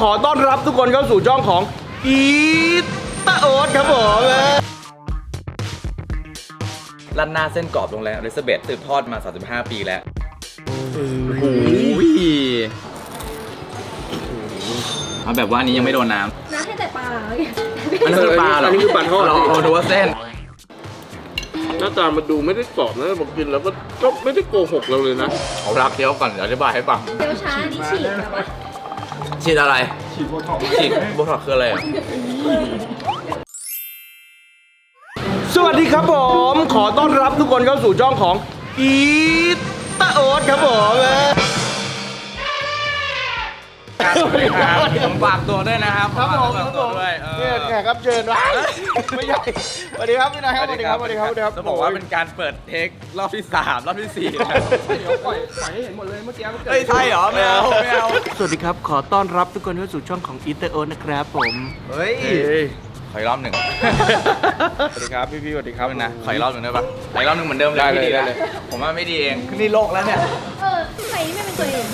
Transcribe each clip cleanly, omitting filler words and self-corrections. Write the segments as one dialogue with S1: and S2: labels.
S1: ขอต้อนรับทุกคนเข้าสู่ช่องของอีตาโอ๊ตครับผม
S2: รัดหน้าเส้นกรอบโรงแรมอลิซาเบธสืบทอดมา35ปีแล้วโอ้โหเอาแบบว่าอันนี้ยังไม่โดนน้ำ
S3: ให้แต่ปลา
S2: อันนี้คือปลาเหรอ
S1: อันนี้คือปลาทอด
S2: เราดูว่าเส้น
S1: หน้าตามันดูไม่ได้กรอบนะผมกินแล้วก็ไม่ได้โกหกเราเลยนะ
S2: เอารักเคี้ยวก่อนเดี๋ยวอธิบายให้ฟัง
S3: เดี๋ยวช้านี่ฉีกแบบว่า
S2: ฉีดอะไรฉีดโบท็อกซ์ฉีดโบท็อกซ์คืออะไรอ่ะ
S1: สวัสดีครับผมขอต้อนรับทุกคนเข้าสู่ช่องของอีตาโอ๊ตครับผม
S2: ผมฝากตัวด้วยนะครับ
S1: ครับผม
S2: ฝากตัวด้วย
S1: เนี่ยแขกรับเชิญวะไม่ใช่สวัสดีครับพี่นายครับสวัสดีครับสวัสดีครับ
S2: จะบอกว่าเป็นการเปิดเทครอบที่3รอบที่4
S4: เดี๋ยวปล่อยให้เห็นหมดเลยเมื่อกี้มันเกิด
S2: เฮ้ยใช่เหรอไม่เอา
S1: สวัสดีครับขอต้อนรับทุกคนเข้าสู่ช่องของอีตาโอ๊ตนะครับผม
S2: เฮ้ยขออีกรอบหนึ่ง
S1: สวัสดีครับพี่สวัสดีครับ
S2: นะขออีกรอบหนึ่งได้ปะขออีกรอบหนึ่งเหมือนเดิมเลยพี่ดีเลยผมว่าไม่ดีเองนี่โลกแล้วเนี่ย
S3: ใครไม่เป็นตัวเอง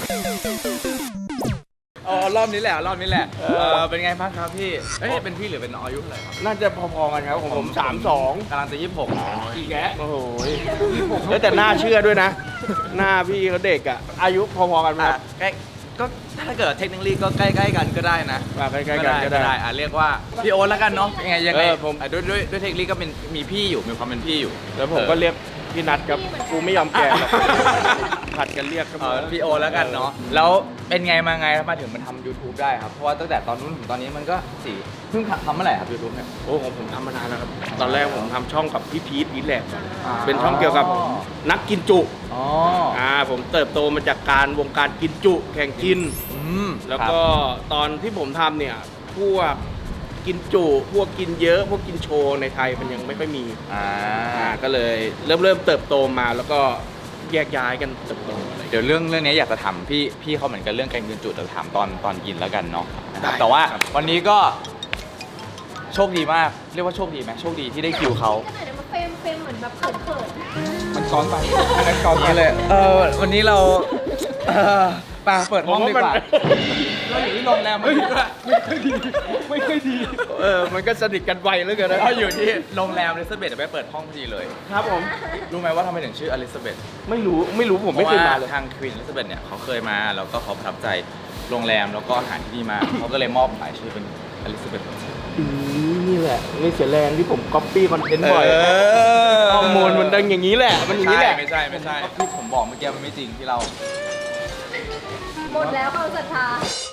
S2: รอบนี้แหละเป็นไงบ้างครับพี่เป็นพี่หรือเป็นน้องอายุเท่าไหร่ครับ
S1: น่าจะพอๆกันครับของผม32
S2: กำลังจะ26
S1: อีกแกโอ้โหแต่หน้าเชื่อด้วยนะหน้าพี่เขาเด็กอ่ะอายุพอๆกันไหม
S2: ใกล้ก็ถ้าเกิดเทคนิคก็ใกล้ๆกันก็ได้นะ
S1: ใกล้ๆกันก็ได้
S2: เรียกว่าพี่โอ๊ตแล้วกันเนาะยังไงผมด้วยเทคนิคก็เป็นมีพี่อยู่มีความเป็นพี่อยู่
S1: แล้วผมก็เรียกพี่นัทครับกูไม่ยอมแก่หรอกผัดกันเรียกครับ
S2: พี่โอ๊ตแล้วกันเนาะแล้วเป็นไงมาไงมาถึงมันทำ YouTube ได้ครับเพราะว่าตั้งแต่ตอนนู้นถึงตอนนี้มันก็เพิ่งทำเมื่อไหร่ครับ YouTube เนี่ย
S1: โอ้ของผมทำมานานแล้วครับตอนแรกผมทำช่องกับพี่พีทอีทแลบเป็นช่องเกี่ยวกับนักกินจุผมเติบโตมาจากวงการกินจุแข่งกินแล้วก็ตอนที่ผมทำเนี่ยพวกกินจุพวกกินเยอะพวกกินโชว์ในไทยมันยังไม่ค่อยมีก็เลยเริ่มเติบโตมาแล้วก็แยกย้ายกันเติบโต
S2: เดี๋ยวเรื่องนี้อยากจะถามพี่เขาเหมือนกันเรื่องการกินจุแต่ถามตอนกินแล้วกันเนาะแต่ว่าวันนี้ก็โชคดีมากเรียกว่าโชคดีไหมโชคดีที่ได้คิวเขา
S3: เดี๋ยวมาเฟรมเหมือนแบบเขิน
S2: มันซ้อนไปมันซ้อนนี้เลยวันนี้เราเปิดห้องดีกว่าเราอยู่ที่โรงแรมไม่ค่อยดี
S1: มันก็สนิทกันไวเหลือเกินนะ
S2: เราอยู่ที่โรงแรมอลิซาเบธไปเปิดห้องพอดีเลย
S1: ครับผม
S2: รู้ไหมว่าทำไมถึงชื่ออลิซาเบธ
S1: ไม่รู้ผมไม่เคยมาเลย
S2: ทางควีนอลิซาเบธเนี่ยเขาเคยมาแล้วก็เขาประทับใจโรงแรมแล้วก็อาหารที่นี่มาเขาก็เลยมอบหมายชื่อเป็นอลิซาเบธ
S1: นี่แหละนี่เสียแรงที่ผมก๊อปปี้คอนเทนต์บ่อยข้อมูลมันดังอย่างนี้แหละมันอย่างนี้แหละ
S2: ไม่ใช่ที่ผมบอกเมื่อกี้มันไม่จริงที่เรา
S3: หมดแล้วความศรัทธา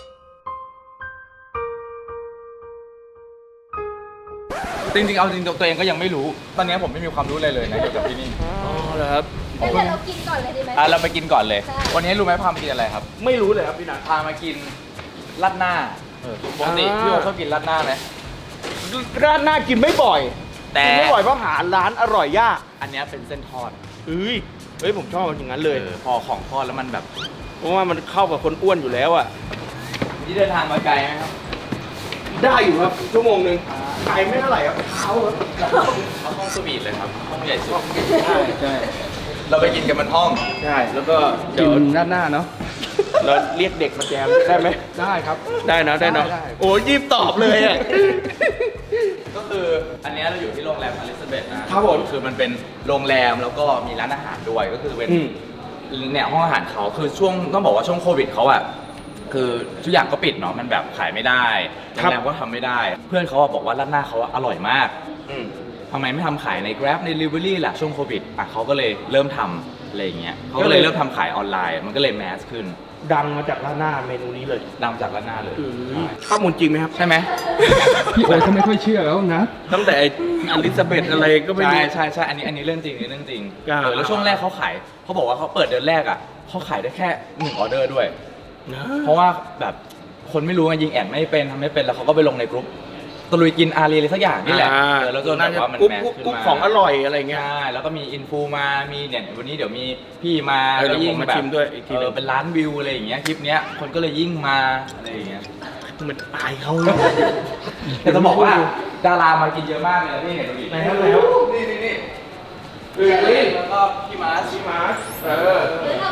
S2: จริงเอาจริงตัวเองก็ยังไม่รู้ตอนนี้ผมไม่มีความรู้เลยนะเกี่ยวกับที่นี่
S1: เหรอครับ
S3: เดี๋ยวเรากินก่อนเลยดีไหม
S2: เราไปกินก่อนเลยวันนี้รู้ไหมพามากินอะไรครับ
S1: ไม่รู้เลยครับพี่นัท
S2: พามากินราดหน้าปกติพี่โอชอบกินราดหน้าไหม
S1: ราดหน้ากินไม่บ่อย
S2: แต่
S1: ไม่บ่อยเพราะหาร้านอร่อยยาก
S2: อันนี้เป็นเส้นทอด
S1: เฮ้ยผมชอบมันอย่างนั้นเลย
S2: พอของทอดแล้วมันแบบ
S1: เพราะว่ามันเข้ากับคนอ้วนอยู่แล้วอ่ะ
S2: นี่เดินทางมาไกลไหมครับ
S1: ได้อยู่ครับชั่วโมงนึงไกลไม่เท่าไหร่ครับเท้าครับ
S2: เอาห้องสวีทเลยครับห้องใหญ่สุดใช่เราไปกินกันบนห้อง
S1: ใช่แล้วก็
S4: กินด้านหน้าเนาะ
S1: เราเรียกเด็กมาแจมได้ไหม
S4: ได้ครับ
S1: ได้นะโอ้ยิบตอบเลยอ่ะ
S2: ก็คืออันนี้เราอยู่ที่โรงแรมอลิซาเบธ
S1: นะครับผม
S2: คือมันเป็นโรงแรมแล้วก็มีร้านอาหารด้วยก็คือเป็นเนี่ยห้องอาหารเขาคือช่วงต้องบอกว่าช่วงโควิดเขาอะคือทุกอย่างก็ปิดเนาะมันแบบขายไม่ได้โรงแรมก็ทำไม่ได้เพื่อนเขาบอกว่าร้านหน้าเขาอร่อยมากทำไมไม่ทำขายใน Grab ใน Delivery ล่ะช่วงโควิดเขาก็เลยเริ่มทำอะไรอย่างเงี้ยเขาก็เลยเริ่มทำขายออนไลน์มันก็เลยแมสขึ้น
S1: ดังมาจากร้านหน้าเมนูนี้เลย
S2: ดังจากร้านหน้าเลย
S1: ข้อมูลจริงไหมครับ
S2: ใช่ไหม
S4: พี่โอ๊ตเขาไม่ค่อยเชื่อแล้วนะ
S1: ตั้งแต่อลิซาเบธอะไรก็ไม่รู้
S2: ใช่อันนี้เรื่องจริงแล้วช่วงแรกเขาบอกว่าเขาเปิดเดือนแรกอ่ะเขาขายได้แค่1ออเดอร์ด้วยเพราะว่าแบบคนไม่รู้ไงยิงแอดไม่เป็นทำไม่เป็นแล้วเขาก็ไปลงในกรุ๊ปตะลุยกินอารีอะไรสักอย่างนี่แหละแล้วจนแบบว่ามันแมสขึ้นมา
S1: ของอร่อยอะไรเงี้ย
S2: แล้วก็มีอินฟูมามีเนี่ยวันนี้เดี๋ยวมีพี่มาแล้วยิ่งแบบเป็นล้านวิวอะไรอย่างเงี้ยคลิปเนี้ยคนก็เลยยิ่งมาอะไรอย่างเงี้ย
S1: เหมือนอายเขาเลย
S2: แต่จะบอกว่าดารามากินเยอะมากเลยนะพี่เห็นดูดิ
S1: ไหนครับนี่
S2: แล้วก็พี่มาร์ช
S3: หรือเราก็สูสี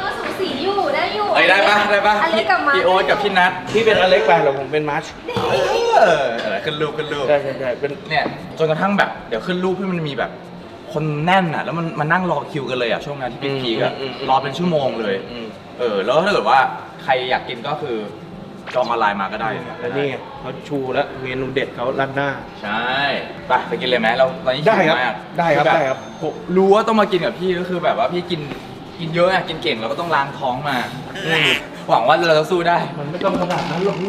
S3: สีอยู่ได้อยู่
S2: เอ้ยได้ปะ
S3: อเล็กกับมาร์ค
S2: พี่โอ๊ตกับพี่นัท
S1: พี่เป็นอเล็กไปเหรอผมเป็นมาร์ช
S2: ขึ้นรูป
S1: ใช่เป็น
S2: เนี่ยจนกระทั่งแบบเดี๋ยวขึ้นรูปที่มันมีแบบ คนแน่นอ่ะแล้วมันมานั่งรอคิวกันเลยอ่ะช่วงนั้นที่พีคๆอ่ะรอเป็นชั่วโมงเลยแล้วถ้าเกิดว่าใครอยากกินก็คือจองออนไลน์มาก็ได้
S1: แล้วนี่ไงเขาชูแล้วเมนูเด็ดเขาร้านหน้า
S2: ใช่ไปกินเลยไหมเราตอนนี้
S1: ได้
S2: หิว
S1: ครับ
S2: มาก
S1: ได้ครับ
S2: อแ
S1: ได้ครับ
S2: ผมรู้ว่าต้องมากินกับพี่ก็คือแบบว่าพี่กินเยอะอ่ะกินเก่งเราก็ต้องล้างท้องมาหวังว่าเราจะสู้ได้
S1: มันไม่ต้องขนาดนั้นหรอกพี่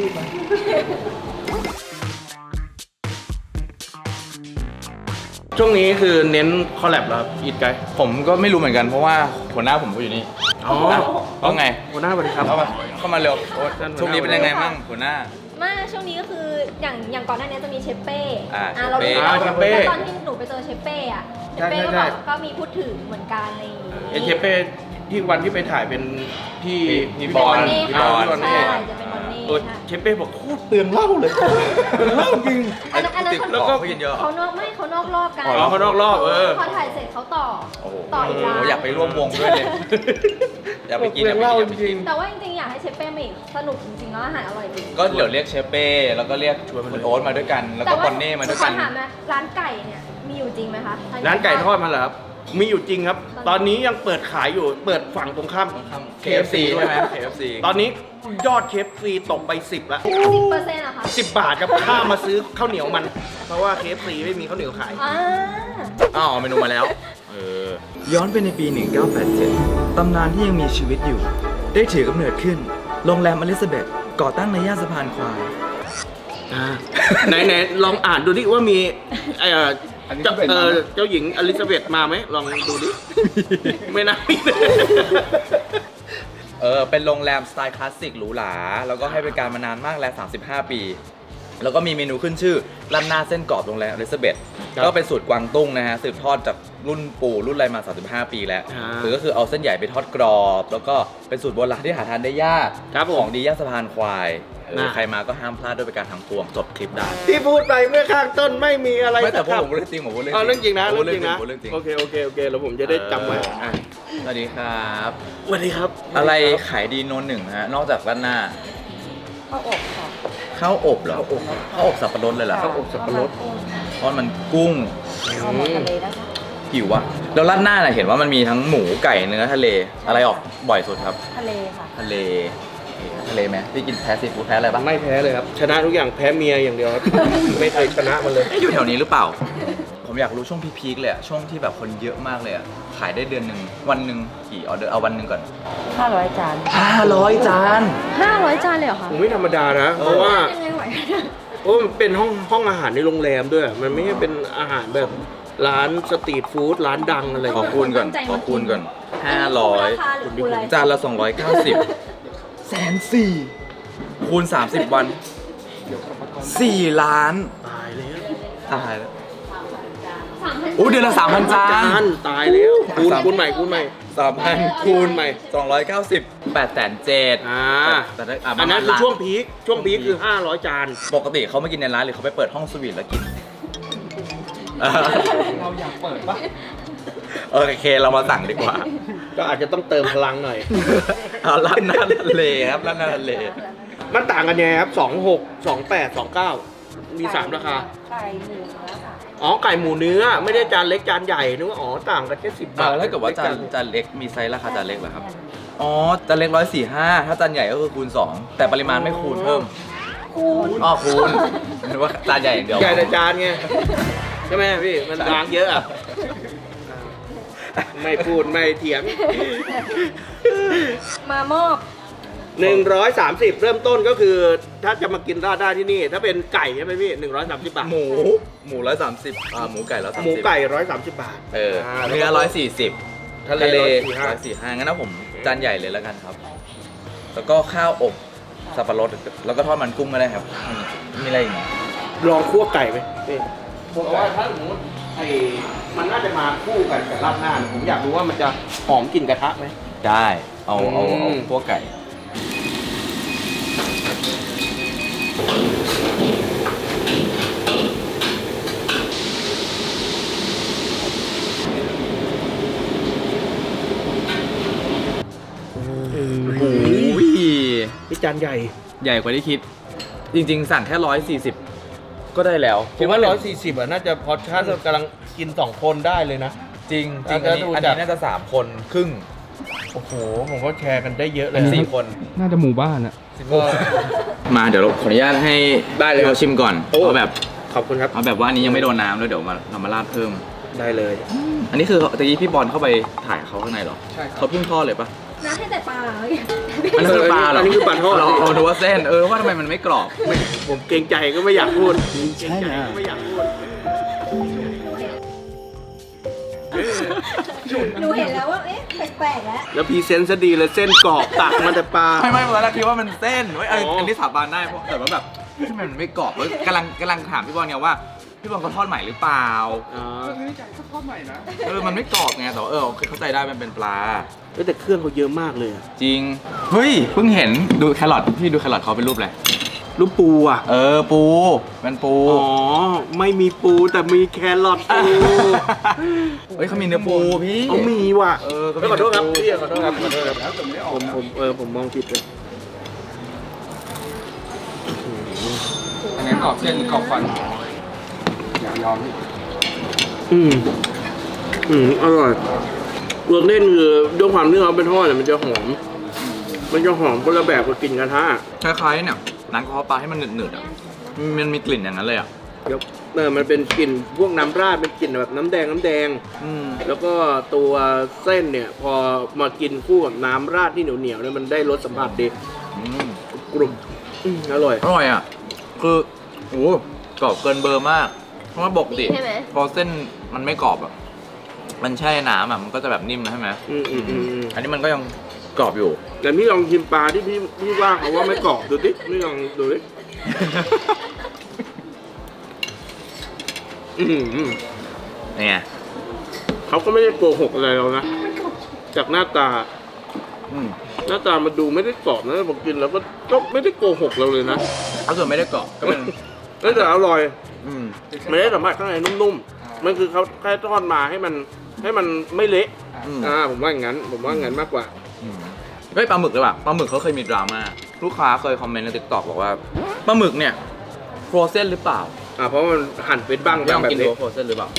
S1: ช่วงนี้คือเน้นคอลแลบแล้วครับอีทไกด์
S2: ผมก็ไม่รู้เหมือนกันเพราะว่าหัวหน้าผมก็อยู่นี่
S1: อ๋อ
S2: ว่าไง
S1: หัวหน้าสวัสดีครับ
S2: เข้ามาเร็วโอ๊ตช่วงนี้เป็นยังไงมั่งหัวหน้า
S3: มาช่วงนี้ก็คืออย่างก่อนหน้านี้จะมีเชฟเป้
S2: เชฟเป้
S3: เรา
S1: เชฟเป้
S3: ตอนที่หนูไปเจอเชฟเป้อะเชฟเป้ก็
S1: ใช่
S3: บอกก็มีพูดถึงเหมือนกันอะไรอย่างงี้
S1: เอเชเป้ที่วันที่ไปถ่ายเป็นที่
S2: พี่
S3: เป็น
S2: บอล
S3: วันนี้
S2: พี่
S3: ค่ะ
S2: บอล
S3: ใช่จะเป็นวันนี้
S1: โอ้ย
S3: ค่ะ
S1: เชเป้บอกโคตรเตือนเหล้าเลยเตือนเหล้าจริง
S3: อันนั้น
S2: ติด
S3: เขา
S2: แล้วก็กินเยอะ
S3: เขานอกรอบกัน
S1: อ๋อเขานอกรอบ
S3: พอถ่ายเสร็จเขาต่อ
S2: โอ้โห
S3: ต่ออีกร้าน
S2: อยากไปร่วมวงด้วยเลย อยากไปกิน
S1: เลี้ยงเหล้าจริง
S3: แต่ว่าจริงๆอยากให้เชฟเป้มาอีกสนุกจริงๆแล้วอาหารอร่อยจริง
S2: ก็เดี๋ยวเรียกเชฟเป้แล้วก็เรียกคุณโอ๊ตมาด้วยกัน แล้วก็บอนเน่มาด้วยกัน
S3: ขอถามนะร้านไก่เนี่ยมีอยู่จริงไหมคะ
S1: ร้านไก่ทอดมาเหรอครับ มีอยู่จริงครับ ตอนนี้ยังเปิดขายอยู่ เปิดฝั่งตรงข้าม
S2: KFC ใช่ไหม KFC
S1: ตอนนี้ยอด KFC ตกไป 10ละ
S3: 10%เหรอคะ
S1: 10 บาทครับค่ามาซื้อข้าวเหนียวมัน เพราะว่า KFC ไม่มีข้าวเหนียวขาย
S3: อ่า
S2: เมนูมาแล้ว ย้อนไปในปี 1987 ตำนานที่ยังมีชีวิตอยู่ ได้ถือกำเนิดขึ้น โรงแรมอลิซาเบธก่อตั้งในย่านสะพานควาย
S1: ไหนลองอ่านดูดิว่ามี
S4: อันนี้ก็เป็น
S1: เจ้าหญิงอลิซาเบธมาไหมลองดูดิ ไม่น่ามีเลย
S2: เป็นโรงแรมสไตล์คลาสสิกหรูหรา แล้วก็ให้บริการมานานมากแล้ว 35 ปี แล้วก็มีเมนูขึ้นชื่อราดหน้าเส้นกรอบโรงแรมอลิซาเบธ
S1: ครับ
S2: ก็เป็นสูตรกวางตุ้งนะฮะ สืบทอดจากรุ่นปู่รุ่นอะไรมา 35 ปีแล้ว คือก็คือเอาเส้นใหญ่ไปทอดกรอบ แล้วก็เป็นสูตรโบราณที่หาทานได้ยาก
S1: ครับผม
S2: ของดีย่านสะพานควาย
S1: น่ะ
S2: ใครมาก็ห้ามพลาดด้วยประการทางปวงจบคลิปได้
S1: ที่พูดไปเมื่อข้างต้นไม่มีอะไร
S2: ไม่แต่
S1: สัก
S2: ผม
S1: คำ
S2: พูดเรื่องจริงผมพูดเรื่อง
S1: อ๋อเรื่องจริงนะ
S2: ผม
S1: เรื่องจริงนะ
S2: ผมพูดเรื่องจริง
S1: โอเคแล้วผมจะได้จำไว้อ่ะ
S2: สวัสดีครับ
S1: สวัสดีครับ
S2: อะไรขายดีโนนหนึ่งฮะ นอกจากราดหน้า
S3: ข้าวอบค่ะ
S2: ข้าวอบเหรอข้าวอบสับปะรดเลยเหรอ
S1: ข้าวอบสับปะรด
S2: ทอดมันกุ้ง
S3: ข้าวหมกทะเลนะคะ
S2: หิวอะแล้วราดหน้าน่ะเห็นว่ามันมีทั้งหมูไก่เนื้อทะเล อะไรออกบ่อยสุดครับ
S3: ทะเลค่ะ
S2: ทะเลไหมพี่กินแพ้ซีฟู้ดแพ้อะไรบ้าง
S1: ไม่แพ้เลยครับ ชนะทุกอย่างแพ้เมียอย่างเดียวครับ ไม่เคยชนะมันเลย
S2: อยู่แถวนี้หรือเปล่า ผมอยากรู้ช่วงพีคๆเลยอะช่วงที่แบบคนเยอะมากเลยอะขายได้เดือนหนึ่งวันหนึ่งกี่ออเดอร์เอาวันหนึ่งก่อน
S3: 500 จาน
S2: 500 จาน
S3: 500 จานเลยเหรอคะ
S1: ผมไม่ธรรมดานะ เพราะว่า
S3: ยังไงไหว
S1: โอ้มันเป็นห้องอาหารในโรงแรมด้วย มันไม่ใช่เป็นอาหารแบบร้านสตรีทฟู้ดร้านดังอะไร
S2: ขอคูณก่อน
S3: ราคาหรือคูณอะไร
S2: 500จานละ290 140,000คูณ30 วัน 4 ล้าน
S1: ตายแล้ว
S2: ตายแล้ว
S3: 3,000
S2: อู้เดือนละ 3,000 จาน
S1: ตายแล้วคูณใหม่
S2: 3,000 คูณใหม่290 8,700,000 แต่ถ้า
S1: อันนั้นคือช่วงพีคคือ 500 จาน
S2: ปกติเขามากินในร้านหรือเขาไปเปิดห้องสวีทแล้วกิน
S4: เราอยากเปิดปะ
S2: โอเคเรามาสั่งดีกว่า
S1: ก็อาจจะต้องเติมพลังหน่อย
S2: เอาร้านหน้าทะเลครับร้านหน้าทะเล
S1: มันต่างกันยังไงครับ 26 28 29 มี 3 ราคา
S3: ไก่หมูแล้วค่ะ
S1: อ๋อ ไก่หมูเนื้อ ไม่ได้จานเล็กจานใหญ่นึกว่าอ๋อ ต่างกันแค่10 บาท
S2: แล้วถ้าเกิดว่าจานเล็กมีไซส์ราคาจานเล็กเหรอครับ อ๋อจานเล็ก145ถ้าจานใหญ่ก็คือคูณ 2 แต่ปริมาณไม่คูณเพิ่ม
S3: คูณ
S2: อ๋อคูณนึกว่าจานใหญ่อย่างเดียว
S1: ใหญ่แต่จานไง ใช่ไหมพี่ มันล้างเยอะอะไม่พูดไม่เถียง
S3: มามอบ
S1: 130 เริ่มต้นก็คือ ถ้าจะมากินราดได้ที่นี่ ถ้าเป็นไก่ใช่ไหมพี่ 130 บาท
S2: หมู130หมูไก่130
S1: หมูไก่ 130 บาท
S2: เนื้อ140
S1: ทะเล
S2: 145งั้นนะผมจานใหญ่เลยแล้วกันครับ แล้วก็ข้าวอบสับปะรดแล้วก็ทอดมันกุ้งก็ได้ครับ มีอะไรอีกไหม
S1: ลองคั่วไก่ไหมพี่เพราะว่าถ้าสมมติมันน่าจะมาคู่กันกับราดหน้าเนี่ยผมอยากรู้ว่ามันจะหอมกลิ่นกระทะไหม
S2: ได้เอาพวกไก่
S1: จานใหญ่
S2: ใหญ่กว่าที่คิด จริงๆ สั่งแค่140ก็ได้แล้ว
S1: ผมว่า140อ่ะน่าจะพอชั่นกำลังกิน2คนได้เลยนะ
S2: จริงจริง
S1: ถ้า
S2: อันนี้
S1: ดู
S2: อัน
S1: จาก
S2: นี้น่าจะ3คนครึ่ง
S1: โอ้โหผมว่าแชร์กันได้เยอะเลย
S2: เป็น4คน
S4: น่าจะหมู่บ้านอะ
S1: ก็
S2: มาเดี๋ยวเราขออนุญาตให้
S1: ได้เลย
S2: เราชิมก่อน
S1: โอ้
S2: เอาแบบ
S1: ขอบคุณครับ
S2: เอาแบบว่าอันนี้ยังไม่โดนน้ำแล้วเดี๋ยวเรามาราดเพิ่ม
S1: ได้เลย
S2: อันนี้คือตะกี้พี่บอลเข้าไปถ่ายเขาข้างในเหรอ
S4: ใช่ครับ
S2: เขาเพิ่งทอดเลยปะ
S3: น้าให้แต่ปลา
S2: อันนี้คือปลาเหรอ
S1: อันนี้คือปลาทอด
S2: เราดูว่าเส้นว่าทำไมมันไม่กรอบ
S1: ผมเกรงใจก็ไม่อยากพูดเกรงใจก็ไม่อยากพูด
S3: หนูเห็นแล้วว่า เอ๊ะ แปลกๆแล้ว
S1: แล้วพรีเซนต์ซะดีเลยเส้นกรอบตักมาแต่ปลา
S2: ไม่ตอนแรกคิดว่ามันเส้นเว้ย
S1: อ๋ออั
S2: อันนี้สาบานได้เพราะแต่ว่าแบบทำไมมันไม่กรอบกำลังถามพี่บอลเนี่ยว่าพี่บอลเขาทอดใหม่หรือเปล่า
S1: อ๋อ
S4: ก็ซื้อใจก็ทอดใหม่นะ
S2: มันไม่กรอบไงแต่ว่าโอเคเข้าใจได้มันเป็นปลา
S1: เฮ้ยแต่เครื่องเขาเยอะมากเลยอะ
S2: จริง เฮ้ย เพิ่งเห็นดูแครอทพี่ดูแครอทเขาเป็นรูปอะไร
S1: ลูกปูอ่ะ
S2: ปูเป็นปู
S1: อ๋อ ไม่มีปูแต่มีแครอทปู
S2: เฮ้ยเขามีเนื้อปูพี่
S1: เอามีว่ะ
S2: ก็มี
S1: ขอโทษครับ
S2: เนื้อปู
S1: พี่ขอโทษครับขอโทษครับ
S4: แล้วแต่ไม่ได้ออ
S1: ผ
S4: ก
S1: ม
S4: นะ
S1: ผมมองผิดเลย
S4: อันนี้กรอบเส้นกรอบฟันอย่ายอมพี่
S1: อร่อยรสเล่นคือด้วยความที่เขาเป็นทอดเนี่ยมันจะหอม มันจะหอมคนละแบบกับกลิ่นกระทะ
S2: คล้ายๆเนี่ยน้ำกระเพาะปลาให้มันหนืดๆอ่ะมันมีกลิ่นอย่างนั้นเลยอ่ะ
S1: มันเป็นกลิ่นพวกน้ำราดเป็นกลิ่นแบบน้ำแดง แล้วก็ตัวเส้นเนี่ย พอมากินคู่กับน้ำราดที่เหนียวๆเนี่ยมันได้รสสัมผัสดีกรุบอร่อย
S2: อร่อยอ่ะคือโอ้กรอบเกินเบอร์มากเพราะว่าปกติ
S3: ใช่ไหม
S2: พอเส้นมันไม่กรอบอ่ะมันแช่น้ำอ่ะมันก็จะแบบนิ่มนะใช่ไหม อันนี้มันก็ยังกรอบอยู่
S1: แต่พี่ลองชิมปลาที่พี่ว่าเขาว่าไม่กรอบดูดิพี่ลองดูดิ
S2: นี่ไง
S1: เขาก็ไม่ได้โกหกอะไรเรานะ จากหน้าตา หน้าตามันดูไม่ได้กรอบนะผมกินแล้วก็ไม่ได้โกหกเราเลยนะ
S2: ถ้าเกิดไม่ได้กรอบก็เป็น
S1: แต่อร่อย
S2: อืม
S1: ไม่ได้สัมผัสข้างในนุ่มๆ มันคือเขาแค่ทอดมาให้มันไม่เละ ผมว่าอย่างนั้นมากกว่า
S2: เฮ้ยปลาหมึกเลยว่ะปลาหมึกเขาเคยมีดราม่าลูกค้าเคยคอมเมนต์ในติ๊กต็อกบอกว่าปลาหมึกเนี่ยโฟรเซนหรือเปล่า
S1: เพราะมันหั่นเป็นบ้าง
S2: ลอง
S1: แบบ
S2: กินดู
S1: เล็ก
S2: ว่าโฟรเซนหรือเปล่า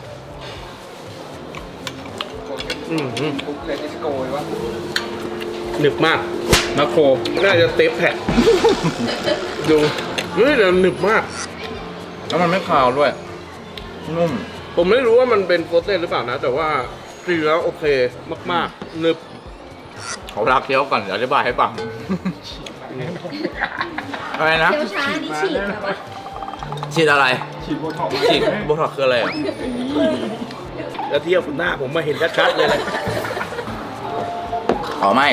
S4: ปุ๊บเลติสโกเลยวะ
S1: หนึบมาก
S2: มาโคร
S1: น่าจะเตฟแผ่นดูเฮ้ยแต่หนึบมาก
S2: แล้วมันไม่คาวด้วย นุ่ม
S1: ผมไม่รู้ว่ามันเป็นโฟรเซนหรือเปล่านะ แต่ว่ากินแล้วโอเคมากๆหนึบ
S2: เขารักเคี้ยวก่อนเดี๋ยวอธิบายให้ฟัง อะไรนะ
S3: เดี๋ยวช้านี่ฉีดแบบว่า
S2: ฉีดอะไร
S4: ฉีดโบท็อกซ์
S2: ฉีดโบท็อกซ์คืออะไรอ่ะ
S1: แล้วเทียบกับหน้าผมมาเห็นชัดๆเลยเลย
S2: อ๋อไม่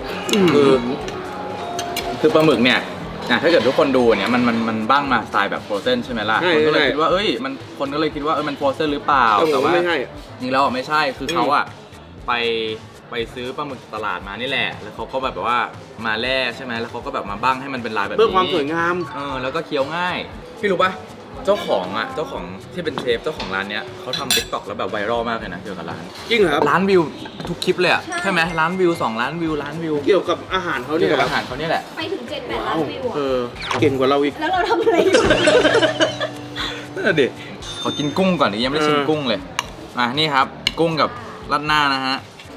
S2: คือปลาหมึกเนี่ยถ้าเกิดทุกคนดูเนี่ยมันบ้างมาสไตล์แบบโฟรเซนใช่ไหมล่ะ
S1: ใช่
S2: คนก็เลย
S1: ใช่
S2: คิดว่าคนก็เลยคิดว่ามันโฟรเซนหรือเปล่า
S1: แต่ว่าไม่ใช่
S2: จริงแล้วไม่ใช่คือเขาอะไปซื้อปลาหมึกตลาดมานี่แหละ แล้วเขาก็แบบว่ามาแล่ใช่ไหมแล้วเขาก็แบบมาบ้างให้มันเป็นลายแบบนี้
S1: เพื่อความสวยงาม
S2: แล้วก็เคี้ยวง่ายพี่รู้ปะเจ้าของที่เป็นเชฟเจ้าของร้านเนี้ยเขาทำติ๊กต็อกแล้วแบบไวรัลมากเลยนะเกี่ยวกับร้าน
S1: จริงเหรอครับ
S2: ล้านวิวทุกคลิปเลยอะใช่ไหมล้านวิว2 ล้านวิวล้านวิว
S1: เกี่ยวกับอาหารเขา
S2: เกี่
S1: เนี่ย
S2: ยวกับ
S1: ครับ
S2: อาหารเขาเนี่ยแหละ
S3: ไปถึง7-8 ล้านวิวอะ
S1: เก่งกว่าเราอีก
S3: แล้วเราทำอะไรอยู่
S2: นั่นแหละดิขอกินกุ้งก่อนดิยังไม่ได้ชิมกุ้งเลยนี่ครับ กุ้งกับราดหน้านะฮะ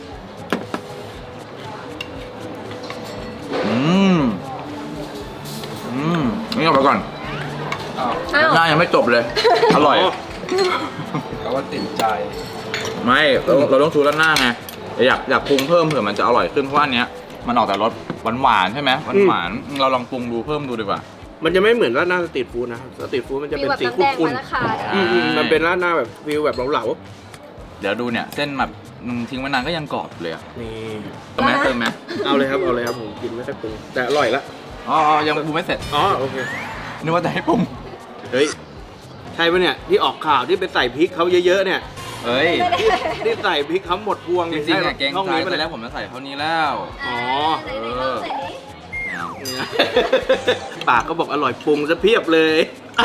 S2: นี่เอาไปก่อน
S4: อ้าว
S3: อ้าว
S2: หน้ายังไม่จบเลย อร่อย
S4: แต่ว่าติดใจ
S2: ไม่เราต้องชูราดหน้าไงอยากปรุงเพิ่มเผื่อมันจะอร่อยขึ้นเพราะว่าอันเนี้ยมันออกแต่รสหวานๆใช่ไหมหวานๆเราลองปรุงดูเพิ่มดูดีกว่า
S1: มันจะไม่เหมือนราดหน้าสตรีทฟู้ดนะครับสตรีทฟู้ดมันจะเป็นสี
S3: ฟีลแบบ
S1: ขุ่น
S3: น้ำแดงมะละกา
S1: ๆมันเป็นราดหน้าแบบฟิลแบบเหลา
S2: เดี๋ยวดูเนี่ยเส้นแบบทิ้งไว้นานก็ยังกรอบเลยอะ
S1: ๆนี่
S2: เติมไหม
S1: เอาเลยครับผมกินไม่ค่อยปรุงแต่อร่อยละ
S2: อ๋อยังปรุงไม่เสร็จ
S1: โอเค
S2: นึกว่าจะให้ปรุง
S1: เฮ้ยใช่ปะเนี่ยที่ออกข่าวที่ไปใส่พริกเขาเยอะๆเนี่ย
S2: เฮ้ย
S1: ที่ใส่พริกเขาหมดพวง
S2: จ
S1: เลย
S2: ริงๆอะเกรง
S1: ช่อง
S2: ใจ
S1: นี้
S2: ไป
S1: ไป
S2: แล้
S1: แล้ว ว
S2: ผมจะใส่เท่านี้แล้ว
S1: อ๋อ
S3: ไหนๆลองใส่นี้
S1: ปากก็บอกอร่อยปรุงซะเพียบเลย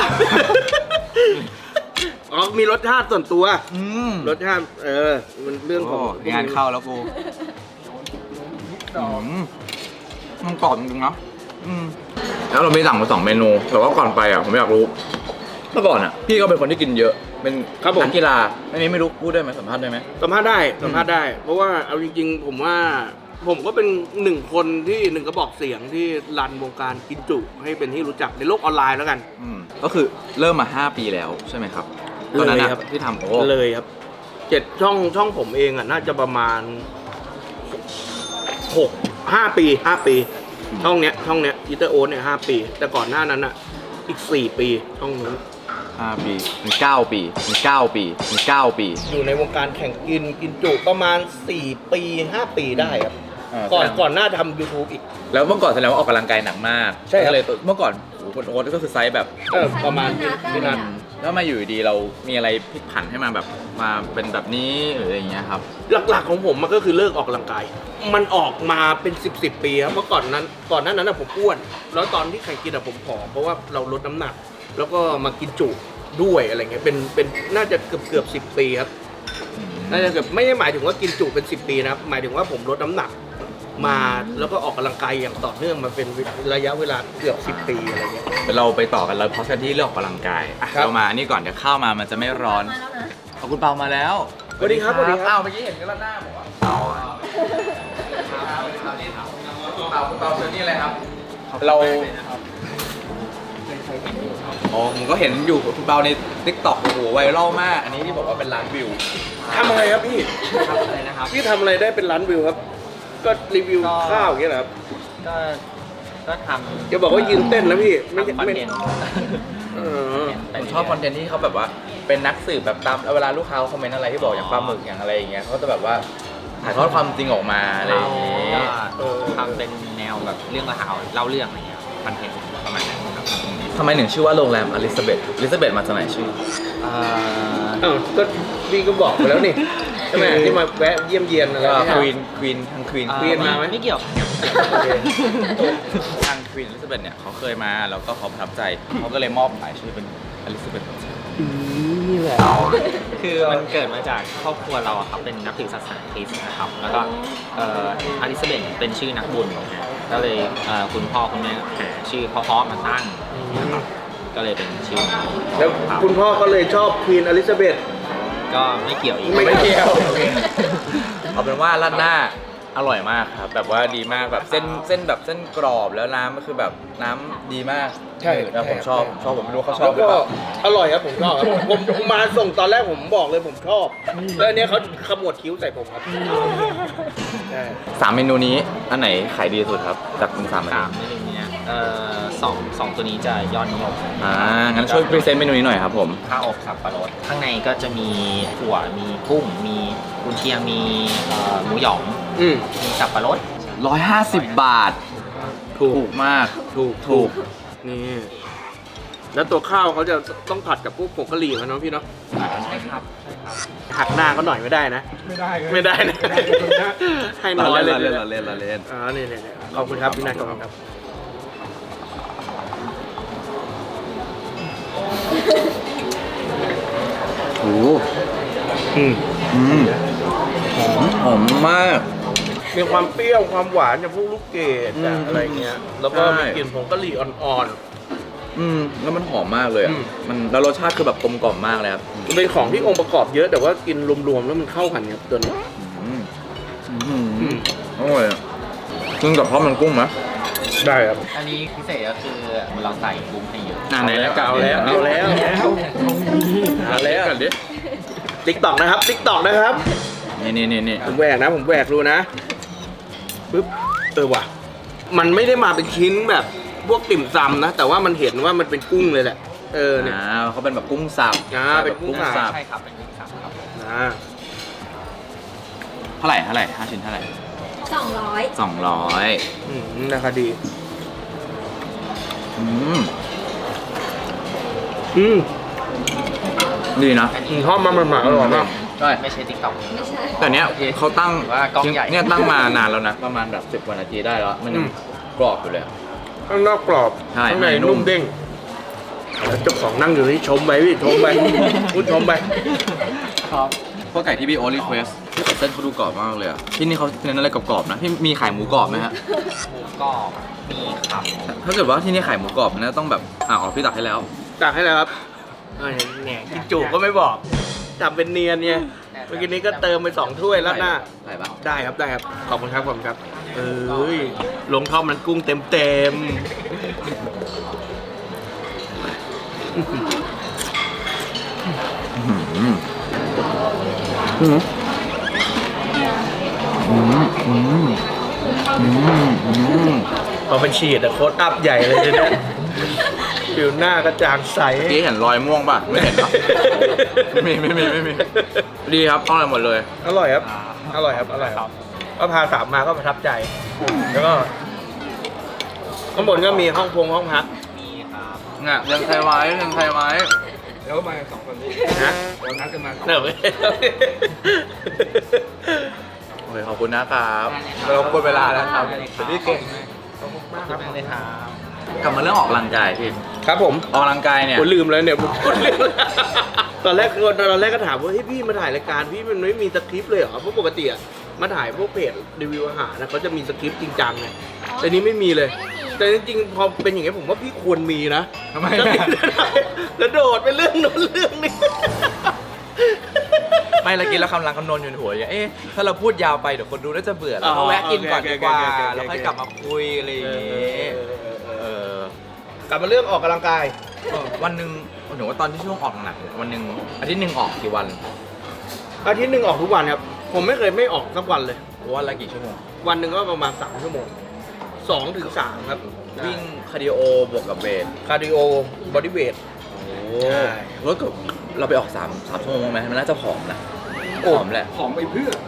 S1: มีรสชาติส่วนตัว รสชาติมันเรื่องของ
S2: งานเข้าแล้วกูมันกรอบจริงๆนะแล้วเรามีสั่งมา2 เมนูแต่ว่าก่อนไปอ่ะผมอยากรู้เมื่อก่อนอ่ะพี่ก็เป็นคนที่กินเยอะเป็น
S1: ครับผม
S2: นักกีฬาอันนี้ไม่รู้พูดได้ไหมสัมภาษณ์ได้ไหม
S1: สัมภาษณ์ได้ เพราะว่าเอาจริงๆ ผมว่าผมก็เป็นหนึ่งคนที่หนึ่งกระบอกเสียงที่รันวงการกินจุให้เป็นที่รู้จักในโลกออนไลน์แล้วกัน
S2: ก็คือเริ่มมา 5 ปีแล้วใช่ไหมครับตอนนั้น
S1: เลยครับ
S2: ที่ทำโอ้
S1: เลยครับช่องผมเองอ่ะน่าจะประมาณ5 ปีช่องเนี้ยอีเตอร์โอ๊ตเนี่ย5 ปี แต่ก่อนหน้านั้นอ่ะอีก4 ปีช่องนู้น
S2: 5 ปีเป็น9 ปีเป็น9 ปีเป็น9 ปี
S1: อยู่ในวงการแข่งกินจุประมาณ4 ปี 5 ปีได้ครับ ก่อนหน้าทำ YouTube อีก
S2: แล้วเมื่อก่อนแสดงว่าออกกำลังกายหนักมาก
S1: ใช่ครับ
S2: ก็เลยเมื่อก่อนโอ้โหคนโอ๊ตก็คือไซส์แบบ
S1: ประมาณ
S3: พี่นัท
S2: แล้วมาอยู่ดีเรามีอะไรพลิกผันให้มาแบบมาเป็นแบบนี้หรืออะไรอย่างเงี้ยครับ
S1: หลักๆของผมมันก็คือเลิกออกกำลังกาย มันออกมาเป็น10 ปีครับเมื่อก่อนหน้านั้นนะผมอ้วน แล้วตอนที่แข่งกินอะผมผอมเพราะว่าเราลดน้ำหนัก แล้วก็มากินจุด้วยอะไรเงี้ยเป็นน่าจะเกือบ10 ปีครับน่าจะเกือบไม่ได้หมายถึงว่ากินจุเป็น10 ปีนะครับหมายถึงว่าผมลดน้ำหนักมาแล้วก็ออกกำลังกายอย่างต่อเนื่องมาเป็นระยะเวลาเกือบ10 ปีอะไรเงี้ย
S2: เดี๋ยวเราไปต่อกันเลยเพราะกันที่เรื่องออกกำลังกายอ่ะ
S1: ครับ
S2: เรามาอันนี้ก่อนเดี๋ยวข้าวมามันจะไม่ร้อน
S3: มาแล้วนะ
S2: ขอบคุณเปามาแล้ว
S1: สวัสดีครับสวัสดีครับ
S2: อ้าวเมื่อกี้เห็นกันแล้วหน้าผมว่าเปาเชิญนี่เลยครับเราอ๋อผมก็เห็นอยู่คุณเปาใน TikTok โอ้โหไวรัลมาก อันนี้ที่บอกว่าเป็นล้านวิว
S1: ทำอะไรครับพี่
S4: อะไรนะครับ
S1: พี่ทำอะไรได้เป็นล้านวิวครับ ก็รีวิวข้าวอย่างเงี้ยเหรอครับ
S4: ก็ทำ
S1: จะบอกว่ายืนเต้นนะพี่ไม่ใช่
S4: คอน
S1: ไม่
S4: เทนต์
S1: เออ
S2: ผมชอบคอนเทนต์ที่เขาแบบว่าเป็นนักสืบแบบตามเวลาลูกค้าคอมเมนต์อะไรที่บอกอย่างปลาหมึกอย่างอะไรอย่างเงี้ยเขาก็จะแบบว่าถ่ายทอดความจริงออกมาอะไรอย่างเงี้ย
S4: ก็ทำเป็นแนวแบบเรื่องราวเล่าเรื่องอะไรเงี้ยคอนเทนต์ประมาณนั้นครับ
S2: ทำไมถึงชื่อว่าโรงแรมอลิซาเบธมาจากไหนชื่อ
S1: ก็พี่ก็บอกไปแล้วนี่ใช่ไหมที่มาแวะเยี่ยมเยียนอะไร
S2: ก็
S1: เนี่ย
S2: ควีนทางควีน
S1: เรียนมาไหม
S4: ไม่เกี่ยว
S1: โอเค
S2: ทางควีนอลิซาเบธเนี่ยเขาเคยมาแล้วก็เขาประทับใจเขาก็เลยมอบหมายชื่อเป็นอลิซาเบธ
S1: นี่แหละ
S4: คือมันเกิดมาจากครอบครัวเราอะครับเป็นนับถือศาสนาคริสต์นะครับ แล้วก็อลิซาเบธเป็นชื่อนักบุญนะก็เลยคุณพ่อคุณแม่หาชื่อเพราะๆมาตั้งนะครับก็เลยเป็นชื่อนี้
S1: แล้ว
S4: ครับ
S1: คุณพ่อก็เลยชอบควีนอลิซาเบธ
S4: ก็ไม่เกี่ยวอีก
S1: ไม่เกี่ยว
S2: เอาเป็นว่าราดหน้าอร่อยมากครับแบบว่าดีมากแบบเส้นแบบเส้นกรอบแล้วน้ำก็คือแบบน้ำดีมาก
S1: ใช่
S2: แล้วผมชอบผมไม่รู้เขาชอ
S1: แล้
S2: บ
S1: ว
S2: หรือ
S1: ก็
S2: เปล่า
S1: อร่อยครับผมชอบครับผมมาส่งตอนแรกผมบอกเลยผมชอบ แล้วอันเนี้ยเขาขมวดคิ้วใส่ผมครับใช่
S2: สามเมนูนี้อันไหนขายดีสุดครับจากคุณสามเมนู
S4: 3เมนูเนี้ยสองตัวนี้จะยอดนิยม
S2: งั้นช่วยพรีเซนต์เมนูนี้หน่อยครับผม
S4: ข้าวอบสับปะรดข้างในก็จะมีถั่วมีกุ้งมีกุนเชียงมีหมูหยอง
S1: อืม
S4: มีสับปะรด
S2: 150 บาท ถูกมากถูก
S1: นี่แล้วตัวข้าวเขาจะต้องผัดกับพวกผงกะหรี่มันเนาะพี่เนาะ
S4: ใช่ครับ
S1: หักหน้าเขาหน่อยไม่ได้นะ ไม่ได้นะให้น้
S2: เรา
S1: อย
S2: เล่น
S1: เลย
S2: เราเล่นเราเล่นเราเล่น
S1: นี่ขอบคุณครับพี่นัทขอบคุณครับ
S2: โอ้โห
S1: อืม
S2: หอมมาก
S1: มีความเปรี้ยวความหวานจากพวกลูกเกดจากอะไรเงี้ย แล้วก็
S2: ใช่
S1: มีกลิ่นผงกะหรี่อ่อน
S2: แล้วมันหอมมากเลยอะ
S1: อืม
S2: มันแล้วรสชาติคือแบบกลมกล่อมมากเลยครับ
S1: ๆมันเป็นของที่องค์ประกอบเยอะแต่ว่ากินรวมๆแล้วมันเข้ากันครับตัวนี้
S2: อร่อยอะกินกับข้าวมันกุ้งไหม
S1: ได้ครับ
S4: อันนี้พิเศษก็คือเราใส่กุ้งให้เยอะ
S2: ไหนแล้วกัน
S1: เอาแล้ว
S2: กันดิ
S1: ติ๊กตอกนะครับติ๊กตอกนะครับ
S2: นี่
S1: ผมแหวกนะผมแหวกดูนะปึ๊บว่ะมันไม่ได้มาเป็นชิ้นแบบพวกติ่มซำนะ แต่ว่ามันเห็นว่ามันเป็นกุ้งเลยแหละเนี่ย
S2: เขาเป็นแบบกุ้งสับ
S1: เป็นกุ้งสับ
S4: ใช่ครับเป็นกุ้งสับครับ
S2: เท่าไหร่5 ชิ้นเท่าไหร่
S3: 200
S2: 200
S1: ราคาดี
S2: อืม
S1: อืม
S2: ดีนะ
S1: หอมมันหมาอร่อยมาก
S2: ใช่
S4: ไม่ใช่ติ๊กต็อก
S3: ไม่ใช่
S2: แต่เนี้ยเขาตั้ง
S4: ว่ากล้องใหญ่
S2: เนี่ยตั้งมานานแล้วนะ ประมาณแบบ10 กว่านาทีได้แล้ว มันยังกรอบอยู่เลยอะ
S1: ข้างนอกกรอบ
S2: ใช่
S1: ข้างใน
S2: นุ่
S1: นุ่
S2: ม
S1: มเด้งแล้วเจ้าของนั่งอยู่นี่ชมไปพี่ชมไป พูดชมไป
S4: ครับ
S2: พวกไก่ที่พี่โอ๊ตรีเควสเส้นเขาดูกรอบมากเลยอ่ะที่นี่เขาเน้นอะไรกรอบๆนะพี่มีขายหมูกรอบไหมฮะ
S4: หมูกรอบมีครับ
S2: ถ้าเกิดว่าที่นี่ขายหมูกรอบมันต้องแบบอ๋อพี่ตักให้แล้ว
S1: ตักให้แล้วครับเนี่ยกินจุก็ไม่บอกทำเป็นเนียนเนี่ยเมื่อกี้นี้ก็เติมไป2 ถ้วยแล้วหน้า
S2: ใส่ปะ
S1: ได้ครับได้ครับขอบคุณครับขอบคุณครับเอ้ยลงท่อมมันกุ้งเต็มพอเป็นฉีดอะโค้ดอัพใหญ่เลยทีเนี้ยผิวหน้ากระจ่างใส
S2: พี่เห็นรอยม่วงป่ะไม่เห็นหรอไม่มีดีครับอร่อยหมดเลย
S1: อร่อยครับอร่อยครับอร่อยครับก็พาสามมาก็ประทับใจ แล้วก็ข้างบนก็มีห้องพัก
S4: มีครับ
S2: เนี่ยยังไทยไว้ยังไทยไว้
S5: แล้วก็มากัน2 คนนี้
S1: นะ
S5: เรานัดกันมา
S1: เนอะ
S2: โอเคขอบคุณนะครับเราหมดเวลาแล้วครับ
S4: ได้เลยครับ
S2: พี่เก่ง
S4: ขอบคุณมากเลยครับ
S2: กลับมาเรื่องออกกำลังกายพี่
S1: ครับผม
S2: ออกกำลังกายเนี่ย
S1: ผมลืมแล้วเนี่ยผมพูดลืมตอนแรกก็ถามว่าเฮ้ยพี่มาถ่ายรายการพี่มันไม่มีสคริปต์เลยเหรอเพราะปกติอะมาถ่ายพวกเพจรีวิวอาหารนะเขาจะมีสคริปต์จริงจังไงแต่นี้ไม่มีเลย แต่จริงๆพอเป็นอย่างนี้ผมว่าพี่ควรมีนะ
S2: ทำไม
S1: แล้วโดดไปเรื่องนู้นเรื่องนี้
S2: ไม่ละกินแล้วคำรังคำนวณอยู่ในหัวอย่างถ้าเราพูดยาวไปเดี๋ยวคนดูน่าจะเบื่อแล้วก็แวะกินก่อนดีกว่าแล้วค่อยกลับมาคุยอะไรอย่างงี้เออก
S1: ลับมาเรื่องออกกำลังกาย
S2: วันหนึ่งหนูว่าตอนที่ช่วงออกหนักวันหนึ่งอาทิตย์หนึ่งออกกี่วัน
S1: อาทิตย์หนึ่งออกทุกวันครับผมไม่เคยไม่ออกสักวันเลย
S2: วันละกี่ชั่วโมง
S1: วันหนึ่งก็ประมาณ3 ชั่วโมง2 ถึง 3ครับ
S2: วิ่งคาร์ดิโอบวกกับเวท
S1: คาร์ดิโอบอดี้เวท ใช่
S2: แล้วก็เราไปออก3 ชั่วโมงไหมมันน่าจะผอมนะผอมแหละ
S5: ผอมไปเพื่อ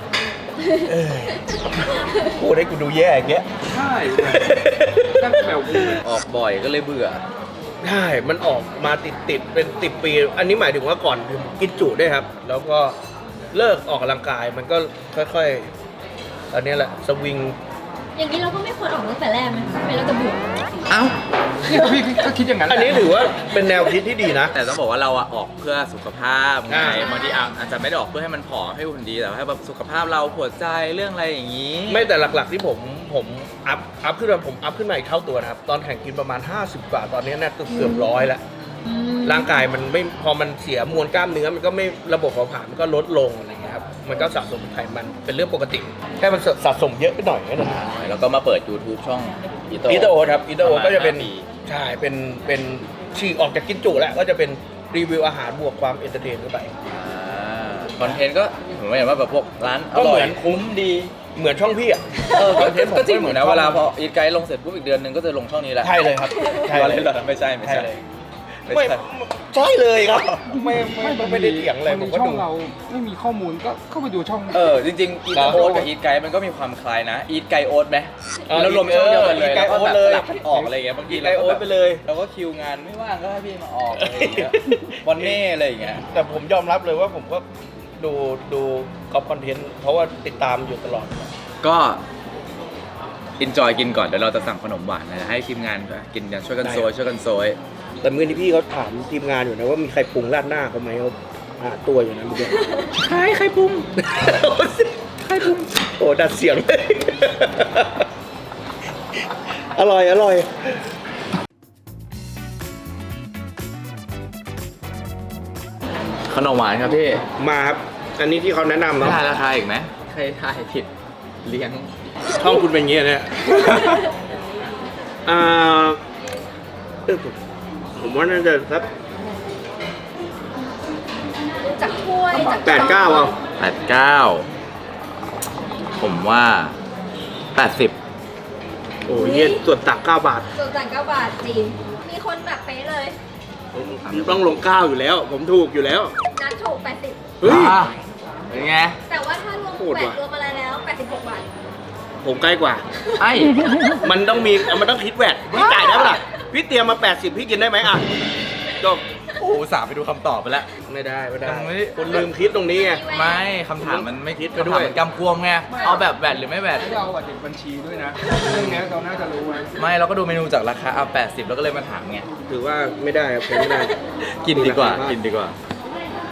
S1: พูดให้กูดูแย่อย่างเงี้ย
S5: ใช่นั่งแบบกูเลย
S2: ออกบ่อยก็เลยเบื่อ
S1: ใช่ มันออกมาติดเป็น10 ปี อันนี้หมายถึงว่าก่อนผมกินจุด้วยครับ แล้วก็เลิกออกกำลังกายมันก็ค่อยๆ อันนี้แหละสวิง
S3: อย่างนี้เราก็ไม่ควรออกตั้งแต่แรกไหมไม่เราจะเบื่อ
S2: เอ้า
S5: เนี่ยพี่ก็คิดอย่างนั้น
S1: อันนี้ถือว่าเป็นแนวคิดที่ดีนะ
S2: แต่ต้องบอกว่าเราอะออกเพื่อสุขภาพไง
S1: อ่า
S2: บางทีอาจจะไม่ได้ออกเพื่อให้มันผอมให้หุ่นดีแต่ว่าให้แบบสุขภาพเราหัวใจเรื่องอะไรอย่างนี้
S1: ไม่แต่หลักๆที่ผมอัพขึ้นมาผมอัพขึ้นมาอีกเท่าตัวนะครับ ตอนแข่งกินประมาณ 50 กว่า ตอนนี้น่าจะเกือบ100แล้ว ร่างกายมันไม่พอมันเสียมวลกล้ามเนื้อมันก็ไม่ระบบเผาผลาญมันก็ลดลงอะไรเงี้ยครับมันก็สะสมไขมันเป็นเรื่องปกติ แค่มันสะสมเยอะไปหน่อยแค่นั้น
S2: แล้วก็มาเปิด YouTube ช่องอีโต
S1: อีเตอร์โอครับอีเตอร์โอ
S2: ประมาณ
S1: ก็จะเป็น
S2: 5 ปี
S1: ใช่เป็นฉีกออกจากกินจุแล้วก็จะเป็นรีวิวอาหารบวกความเอนเตอร์เทนเข้าไป
S2: คอนเทนต์ก็ผมเห็นว่าแบบพวกร้านอ
S1: ก็
S2: ร่
S1: เห
S2: อ
S1: มื
S2: ย
S1: อน
S2: คุ้มดี
S1: เหมือนช่องพี่อ่ะ
S2: คอนเทนต์ก็จริงเหมือนนะเวลาพออีทไกด์ลงเสร็จปุ๊บอีกเดือนหนึงก็จะลงช่องนี้แหละ
S1: ใช่เลยครับใช่
S2: อะไร
S1: เลย
S2: เหรอไม่ใช่
S1: ใช่เลย
S2: ไม่
S1: ไม่
S2: ใช่
S1: ใช่เลยครับไม่ได้เถียงเลยผมก็
S5: ช่อ
S1: ดู
S5: งเราไม่มีข้อมูลก็เข้าไปดูช่อง
S2: จริงๆอีทโอ๊ตกับอีทไกด์มันก็มีความคล้ายนะอีทไกด์โอ๊ตไหม
S1: เออ
S2: แล้วรวมช่องเดียวกันเลย
S1: Eat Guide
S2: แล้วก็แบบ
S1: Oat เลย
S2: สลับกันออกอะไรอย่างเงี้ยบางที
S1: Eat Guide Oat ไปเลย
S2: เราก็คิวงานไม่ว่างก็ให้พี่มาออกอะไรอย่างเงี้ยวันเน่อะไรอย่างเงี้ย
S1: แต่ผมยอมรับเลยว่าผมก็ดูกอล์ฟคอนเทนต์เพราะว่าติดตามอยู่ตลอด
S2: ก็อินจอยกินก่อนเดี๋ยวเราจะสั่งขนมหวานนะให้ทีมงานกินกันช่วยกันโซยช่วยกันโซย
S1: แต่เมื่อนี้พี่เขาถามทีมงานอยู่นะว่ามีใครปรุงราดหน้าเขาไหมเขาหาตัวอยู่นะเมื่อกี้
S2: ใครปรุง
S1: ใครปรุงโอ้ดัดเสียงเลย อร่อย
S2: ขนมหวานครับพี่
S1: มาครับ อันนี้ที่เขาแนะนำ
S2: ไม่
S1: เนาะ
S2: ทายราคาอีกไหมใครทายผิดเลี้ยง
S1: ช่องคุณเป็นอย่างนี้เนี่ยอ่าผมว่าน่าจะสัก
S3: จากถ้วยจาก
S1: 8-9เอา
S2: 89ผมว่า 80
S1: โอ้ยเหี้ยส่วนตัก9 บาท
S3: ส่วนต่าง9 บาทจริง มีคนแบบเป๊ะเลย
S1: ต้องลง9อยู่แล้ว ผมถูกอยู่แล้ว
S3: นัดถูก
S1: เฮ้ย
S2: เป็นไง
S3: 80 แต่ว่าถ้ารวม
S1: โหด
S3: แบ
S1: ว่ะ
S3: ตรวมอะไรแล้ว86 บาท
S1: ผมใกล้กว่า
S2: ไอ้
S1: มันต้องคิดแวดพี่จ่ายได้ปะล่ะพี่เตรียมมา 80 พี่กินได้ไหมอ่ะจบ
S2: โอ้สาไปดูคำตอบไปแล้ว
S1: ไม่ได้
S2: ยังไม่
S1: คุณลืมคิดตรงนี้ไง
S2: ไม่คำถามมันไม่
S1: คิดไป
S2: คำ
S1: ด้
S2: ถา
S1: วย
S2: มมันกำกวมไงเอาแบบแวดหรือไม่แวด
S5: ให้เราเด็กบัญชีด้วยนะ เรื่องนี้เราน่าจะรู้ไหม
S2: ไม่เราก็ดูเมนูจากราคาเอา80แล้วก็เลยมาถามไง
S1: ถือว่าไม่ได้ครับผมไม่ได้
S2: กินดีกว่ากินดีกว่า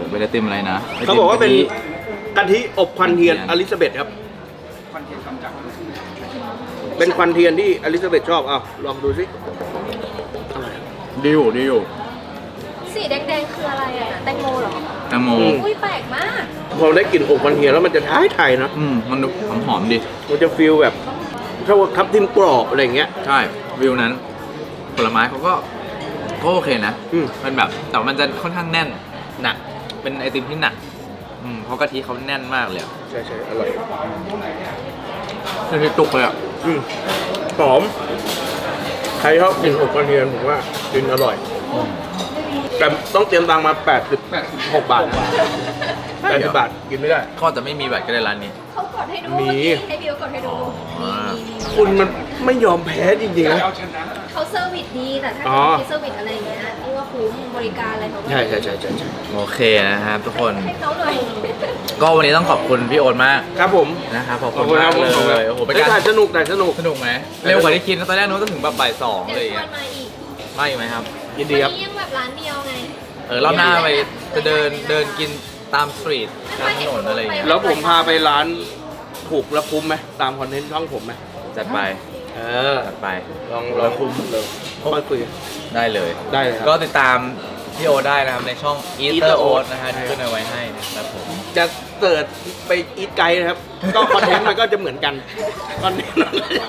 S2: เป็นไอติมอะไรนะ
S1: เขาบอกว่าเป็น
S2: ไติม
S1: กะทิอบควันเทียนอลิซาเบธครับ
S5: คอนเทนต์กำจัด
S1: เป็นควันเทียนที่อลิซาเบธชอบเอาลองดูสิ
S2: ดีอยู่
S3: สีแดงๆคืออะไรอ่ะแตงโมเหรอ
S2: แตงโม
S3: อุ้ยแปลกมาก
S1: พอได้กลิ่นอบควันเทียนแล้วมันจะท้ายไทยนะ
S2: มันดูหอมๆดี
S1: มันจะฟีลแบบถ้าว่าทับทิมกรอบอะไรอย่างเงี้ย
S2: ใช่วิวนั้น ผลไม้เขาก็โอเคนะ
S1: อืม
S2: มันแบบแต่มันจะค่อนข้างแน่นหนัก เป็นไอติมที่หนักเพราะกะทิเขาแน่นมากเลยอะ
S1: ใช่อร่อย
S2: กะทิตุกเลยอ่ะ
S1: หอม ใครชอบกินอบควันเทียนผมว่ากินอร่อย แต่ต้องเตรียมตังค์มา86 บาทนะ80 บาทกินไม่ได้
S2: ก็จะไม่มีแบบก็ได้ร้านนี้
S3: เขากดให้ดู
S1: มี
S3: ให้พี่เขากดให้ดู
S2: อ๋อ
S3: มี
S1: คุณมันไม่ยอมแพ้จริงๆนะ
S5: เอาชนะ
S3: เขาเซอร์วิสดีแต่ถ้า
S1: อ๋อ
S3: เขาเซอร์วิสอะไรอย่างเงี้ยที่ว่าคุ้มบริการอะไรเขาก็
S1: ใช่
S2: โอเคนะครับทุกคน
S3: ให้เขาหน่อย
S2: ก็วันนี้ต้องขอบคุณพี่โอนมาก
S1: ครับผม
S2: นะครับขอบ
S1: ขอบ
S2: คุ
S1: คุณ
S2: ณ
S1: ค
S2: มา
S1: รับ
S2: ก
S1: ผม
S2: เลยโอ้โหเป็นการ
S1: ถ่ายสนุก
S2: สนุกไหมเร็วกว่าที่คิดนะตอนแรกนึกว่าจะถึงแบบบ่ายสองอะไร
S3: เดี๋
S2: อย่าง
S3: ยว
S2: เงี้ย
S3: มาอีก
S2: ไม่ไหมครับ
S1: ยินดีครับ
S3: วันนี้ยังแบบร้านเดียวไง
S2: รอบหน้าไปจะเดินกินตามสตรีทตามถนนอะไรอย่างเงี้ย
S1: แล้วผมพาไปร้านถูกและคุ้มไหมตามคอนเทนต์ช่องผมไหม
S2: จัดไป จัดไป
S1: ลองคุ้มเลยค่อยคุย
S2: ได้เลย
S1: ได้เลยครับ
S2: ก็ติดตามพี่โอได้นะครับในช่อง
S1: Eater
S2: Eater
S1: Oat
S2: Oat นะฮะที่ขึ้นเอาไว้ให้นะครับผม
S1: จะเสิร์ชไปอีทไกด์นะครับ ก็คอนเทนต์มันก็จะเหมือนกันคอนเทนต์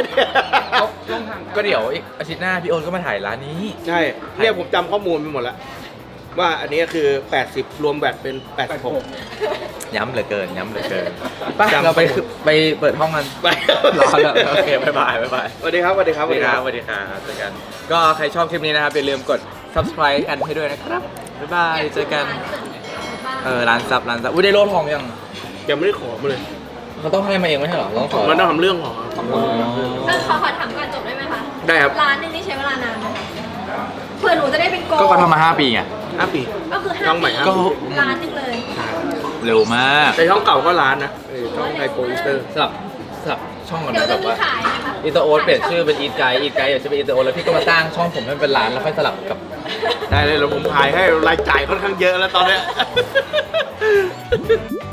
S2: ก็เดี๋ยวอีกอาทิตย์หน้าพี่โอนก็มาถ่ายร้านนี้
S1: ใช่เนี่ยผมจำข้อมูลไปหมดแล้ว ว่าอันนี้คือ 80 รวมแบตเป็น 86
S2: ย้ำเหลือเกินไป
S1: จำ
S2: เราไปเปิดห้องกัน
S1: ไป
S2: รอแล้วโอเคบ๊ายบาย
S1: สวัสดีครับ
S2: สวัสดีครับเจอกันก็ใครชอบคลิปนี้นะครับอย่าลืมกด subscribe กันให้ด้วยนะครับบ๊ายบายเจอกันร้านซับอุ้ยได้โล่ทองยัง
S1: ยังไม่ได้ขอมาเลย
S2: เขาต้องให้มาเองไม่ใช่เหรอต้องขอ
S1: มันต้องทำเรื่องขอ
S3: ขอถามก่อนจบได้ไหมคะ
S1: ได้ครับ
S3: ร้านหนึงนี่ใช้เวลานานไหมคะเพื่อหนูจะได้เป็นโก
S2: ก็ทำมา5 ปีไง
S1: 5 ปี
S3: ก็คือ
S1: ช่องใหม่
S3: 5
S1: ครับ
S3: ปีร้านหนึงเลย
S2: เร็วมาก
S1: แต่ช่องเก่าก็ร้านนะช่องไทยโปรอินเตอร์
S2: สลับช่องก่อน
S3: เดี๋ยว
S2: นะแบ
S3: จะ
S2: บ
S3: มี
S2: ว่า
S3: ขายไหมคะ
S2: อีเตอร์โอ๊ตเปลี่ยนชื่อเป็นอีทไกด์อยากจะเป็นอีเตอร์โอ๊ตแล้วพี่ก็มาสร้างช่องผมให้มันเป็นร้านแล้วค่อยสลับกับ
S1: ได้เลยแล้วผมขายให้รายจ่ายค่อนข้างเยอะแล้วตอนเนี้ย